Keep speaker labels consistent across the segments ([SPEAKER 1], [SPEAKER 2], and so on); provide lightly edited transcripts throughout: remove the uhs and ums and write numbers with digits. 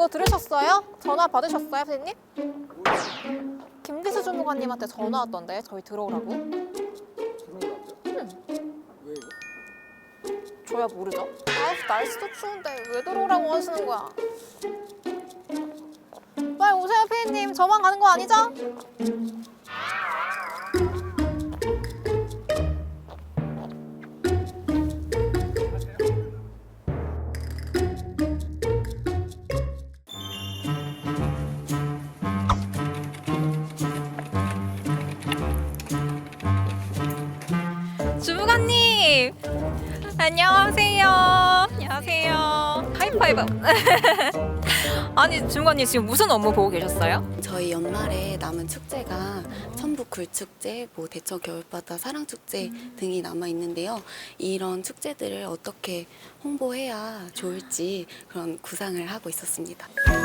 [SPEAKER 1] 그거 들으셨어요? 전화 받으셨어요, 선생님? 김기수 주무관님한테 전화 왔던데 저희 들어오라고.
[SPEAKER 2] 왜 이거?
[SPEAKER 1] 저야 모르죠. 날씨도 추운데 왜 들어오라고 하시는 거야? 빨리 오세요, 피디님. 저만 가는 거 아니죠? 주무관님! 안녕하세요. 안녕하세요. 하이파이브. 아니, 주무관님 지금 무슨 업무 보고 계셨어요?
[SPEAKER 3] 저희 연말에 남은 축제가 천북 굴축제, 대천 겨울바다 사랑축제 등이 남아 있는데요. 이런 축제들을 어떻게 홍보해야 좋을지 그런 구상을 하고 있었습니다.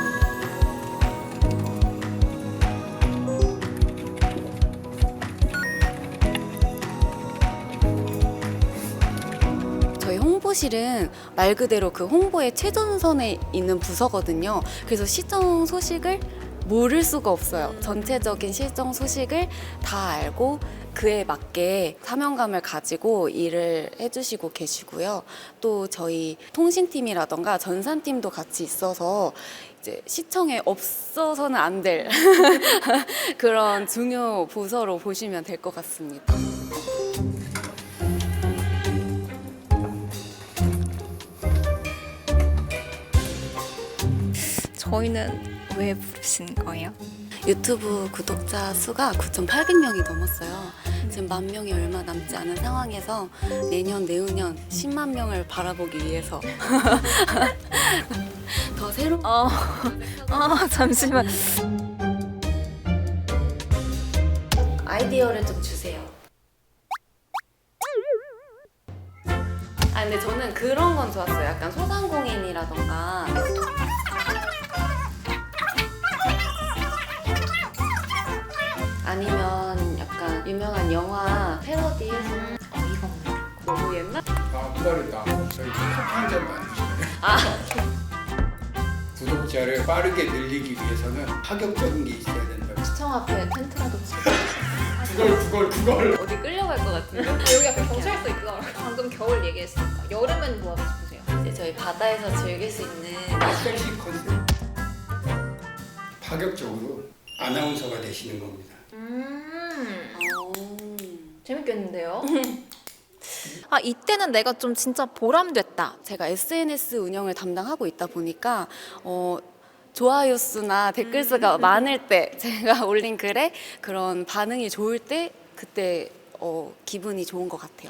[SPEAKER 3] 저희 홍보실은 말 그대로 그 홍보의 최전선에 있는 부서거든요. 그래서 시정 소식을 모를 수가 없어요. 전체적인 시정 소식을 다 알고 그에 맞게 사명감을 가지고 일을 해주시고 계시고요. 또 저희 통신팀이라던가 전산팀도 같이 있어서 이제 시청에 없어서는 안 될 그런 중요 부서로 보시면 될 것 같습니다.
[SPEAKER 4] 저희는 왜 부르신 거예요?
[SPEAKER 3] 유튜브 구독자 수가 9,800명이 넘었어요. 지금 10,000명이 얼마 남지 않은 상황에서 내년, 내후년 10만 명을 바라보기 위해서 더 새로운
[SPEAKER 4] 잠시만.
[SPEAKER 3] 아이디어를 좀 주세요. 근데 저는 그런 건 좋았어요. 약간 소상공인이라던가 아니면 약간 유명한 영화 패러디해서 이거 너무 옛날?
[SPEAKER 2] 빠르다. 저희 커피 한잔 만드시네요. 구독자를 빠르게 늘리기 위해서는 파격적인 게 있어야 된다.
[SPEAKER 1] 시청 앞에 텐트라도 치고
[SPEAKER 2] 그걸.
[SPEAKER 3] 어디 끌려갈 것 같은데?
[SPEAKER 1] 여기 앞에 경찰서 있더라고요. 방금 겨울 얘기했으니까. 여름엔 뭐 하고 싶으세요?
[SPEAKER 3] 이제 저희 바다에서 즐길 수 있는
[SPEAKER 2] 섹시 컨셉. 파격적으로 아나운서가 되시는 겁니다.
[SPEAKER 1] 재밌겠는데요? 아, 이때는 내가 좀 진짜 보람됐다.
[SPEAKER 3] 제가 SNS 운영을 담당하고 있다 보니까 좋아요 수나 댓글 수가 많을 때 제가 올린 글에 그런 반응이 좋을 때 그때 기분이 좋은 것 같아요.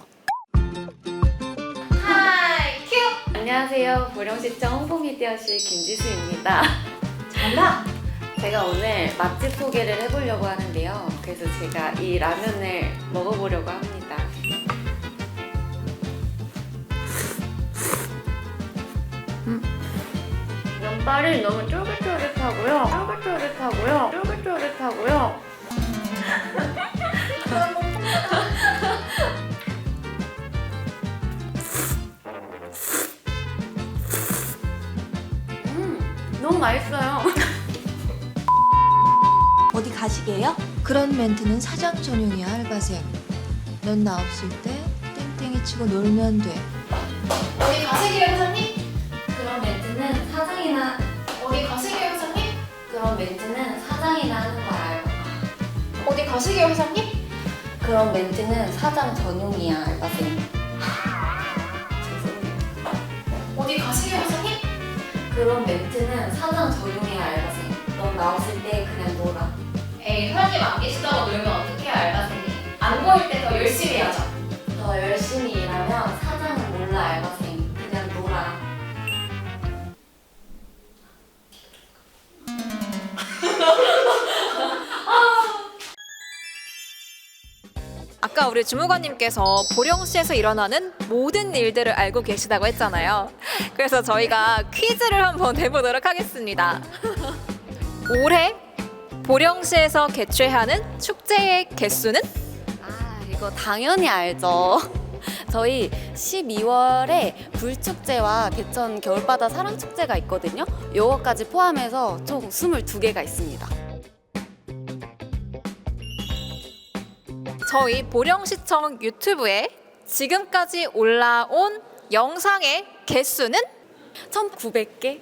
[SPEAKER 1] 하이, 큐!
[SPEAKER 3] 안녕하세요. 보령시청 홍보미디어실 김지수입니다.
[SPEAKER 1] 잘한다!
[SPEAKER 3] 제가 오늘 맛집 소개를 해보려고 하는데요. 그래서 제가 이 라면을 먹어보려고 합니다. 면발이 너무 쫄깃쫄깃하고요. 쫄깃쫄깃하고요. 너무 맛있어요.
[SPEAKER 5] 어디 가시게요? 그런 멘트는 사장 전용이야, 알바생. 넌 나 없을 때 땡땡이 치고 놀면 돼.
[SPEAKER 1] 어디 가시게요, 회장님?
[SPEAKER 3] 그런 멘트는 사장이나
[SPEAKER 1] 어디 가시게요, 회장님?
[SPEAKER 3] 그런 멘트는 사장이나 하는 거야, 알바가.
[SPEAKER 1] 어디 가시게요, 회장님?
[SPEAKER 3] 그런 멘트는 사장 전용이야, 알바생. 죄송해요.
[SPEAKER 1] 어디 가시게요, 회장님?
[SPEAKER 3] 그런 멘트는 사장 전용이야, 알바생. 넌 나 없을 때 그냥 놀아.
[SPEAKER 1] 에이, 회장님 안 계시다고 놀면 어떡해요, 알바생이. 안 보일 때 더 열심히 해야죠.
[SPEAKER 3] 더 열심히 일하면 사장은 몰라, 알바생. 그냥 놀아.
[SPEAKER 1] 아까 우리 주무관님께서 보령시에서 일어나는 모든 일들을 알고 계시다고 했잖아요. 그래서 저희가 퀴즈를 한번 내보도록 하겠습니다. 올해 보령시에서 개최하는 축제의 개수는?
[SPEAKER 3] 이거 당연히 알죠. 저희 12월에 불축제와 개천 겨울바다 사랑축제가 있거든요. 요거까지 포함해서 총 22개가 있습니다.
[SPEAKER 1] 저희 보령시청 유튜브에 지금까지 올라온 영상의 개수는
[SPEAKER 3] 1,900개?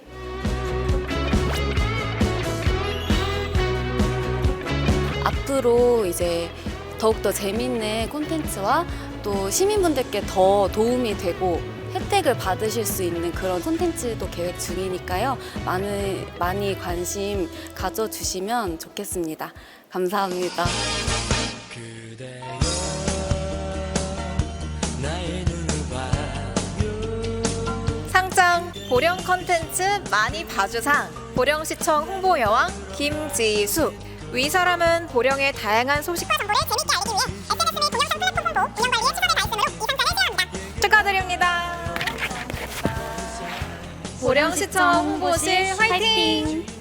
[SPEAKER 3] 앞으로 이제 더욱더 재밌는 콘텐츠와 또 시민분들께 더 도움이 되고 혜택을 받으실 수 있는 그런 콘텐츠도 계획 중이니까요. 많이 관심 가져주시면 좋겠습니다. 감사합니다.
[SPEAKER 1] 상장 보령 컨텐츠 많이 봐주상 보령시청 홍보여왕 김지수. 위 사람은 보령의 다양한 소식과 정보를 재밌게 알리기 위해 SNS 및 동영상 플랫폼 홍보, 운영 관리에 최선을 다했으므로 이 상장을 수여합니다. 축하드립니다. 보령시청 홍보실 화이팅!